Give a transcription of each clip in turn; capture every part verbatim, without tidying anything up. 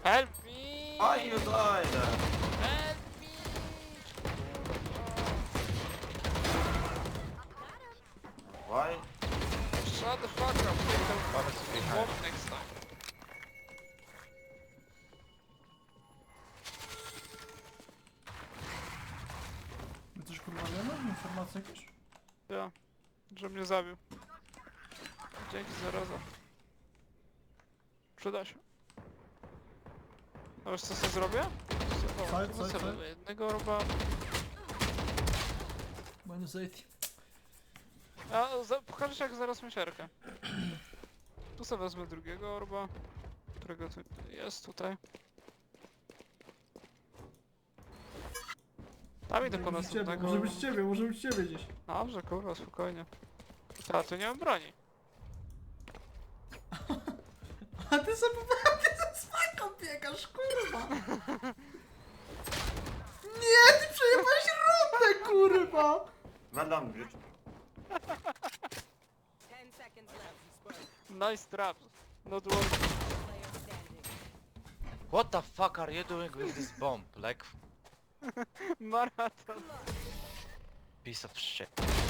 Help me! Why you died? Help me! Why? Shut the fuck up! Take the Honestly, behind. walk next time. My coś kurwa wiemy? Informacje jakieś? Ja, że mnie zabił. Dzięki za raza. Przyda się. A wiesz co sobie zrobię? O, Side, tu side, sobie side. jednego roba. Minus eighty. A za, pokażesz jak zaraz misierkę. Tu sobie wezmę drugiego orba, którego tu jest tutaj. Tam idę po Może być ciebie, następnego. może być ciebie, może być ciebie gdzieś. Dobrze, kurwa, spokojnie. A tu nie mam broni. A ty sobie, a ty ze smaką biegasz, kurwa! Nie, ty przejebałeś rundę, kurwa! Well done, bitch. Ten seconds left. Nice trap. Not working. Player standing. What the fuck are you doing with this bomb? Like, Maraton. piece of shit.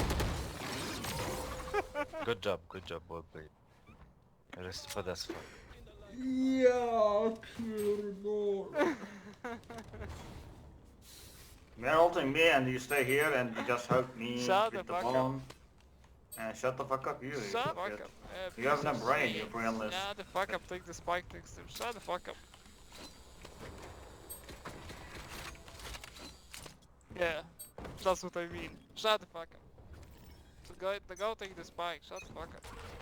Good job, good job, well played. Respect as fuck. Ja pierdolę. They're ulting me and you stay here and you just help me Shut with the the fuck up. bomb. And shut the fuck up, you. you Shut the fuck fuckhead. up. Eh, You have piece no of brain, shit. you're brainless. Shut the fuck up, take the spike next time. Shut the fuck up. Yeah, that's what I mean. Shut the fuck up. So go, go take the spike, shut the fuck up.